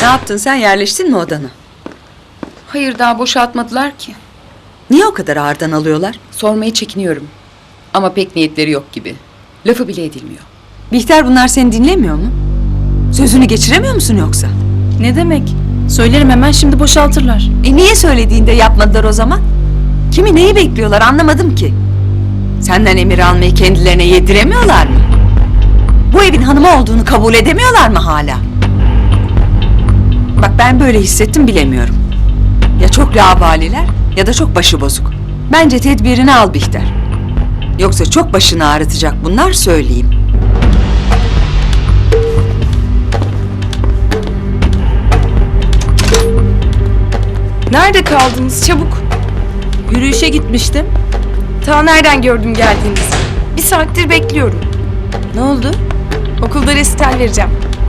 Ne yaptın sen, yerleştin mi odana? Hayır, daha boşaltmadılar ki. Niye o kadar ağırdan alıyorlar? Sormaya çekiniyorum. Ama pek niyetleri yok gibi. Lafı bile edilmiyor. Bihter, bunlar seni dinlemiyor mu? Sözünü geçiremiyor musun yoksa? Ne demek? Söylerim hemen, şimdi boşaltırlar. Niye söylediğinde yapmadılar o zaman? Kimi neyi bekliyorlar anlamadım ki. Senden emir almayı kendilerine yediremiyorlar mı? Bu evin hanımı olduğunu kabul edemiyorlar mı hala? Bak, ben böyle hissettim, bilemiyorum. Ya çok laubaliler ya da çok başıbozuk. Bence tedbirini al Bihter. Yoksa çok başını ağrıtacak bunlar, söyleyeyim. Nerede kaldınız çabuk? Yürüyüşe gitmiştim. Ta nereden gördüm geldiğinizi? Bir saattir bekliyorum. Ne oldu? Okulda resital vereceğim.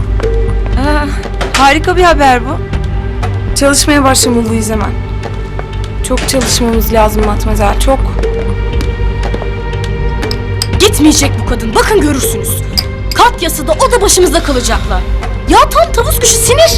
Harika bir haber bu. Çalışmaya başlamalıyız hemen. Çok çalışmamız lazım Matmazel, çok. Gitmeyecek bu kadın. Bakın görürsünüz. Katya'sı da o da başımızda kalacaklar. Ya tam tavus kuşu sinir.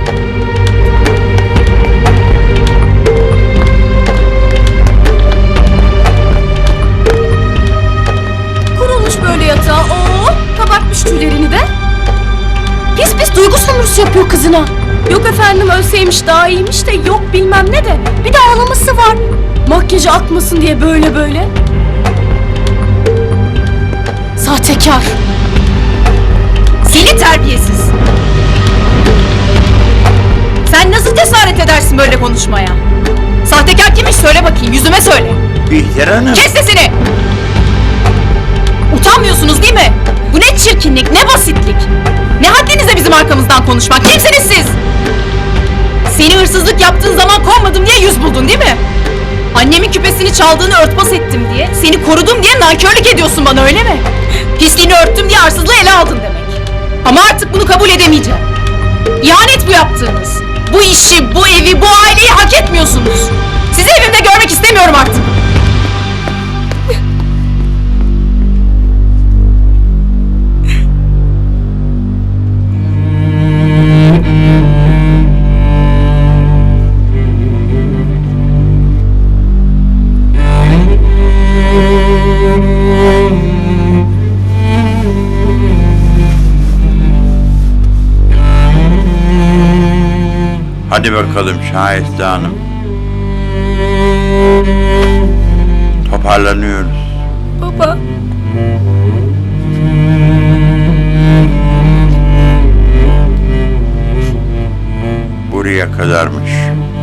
Kurulmuş böyle yatağa. Oo, kabartmış tüylerini de. Pis pis duygu sömürüsü yapıyor kızına. Yok efendim, ölseymiş daha iyiymiş de, yok bilmem ne de. Bir de ağlaması var. Makyajı akmasın diye böyle böyle. Sahtekar. Seni terbiyesiz. Sen nasıl cesaret edersin böyle konuşmaya? Sahtekar kimmiş, söyle bakayım, yüzüme söyle. Bihter Hanım. Kes sesini! Utanmıyorsunuz değil mi? Bu ne çirkinlik, ne basitlik. Ne haddinize bizim arkamızdan konuşmak, kimsiniz siz? Seni hırsızlık yaptığın zaman kovmadım diye yüz buldun değil mi? Annemin küpesini çaldığını örtbas ettim diye, seni korudum diye nankörlük ediyorsun bana, öyle mi? Pisliğini örttüm diye arsızlığı ele aldın demek. Ama artık bunu kabul edemeyeceğim. İhanet bu yaptığınız. Bu işi, bu evi, bu aileyi hak etmiyorsunuz. Sizi evimde görmek istemiyorum artık. Hadi bakalım Şahiste Hanım. Toparlanıyoruz. Baba. Buraya kadarmış.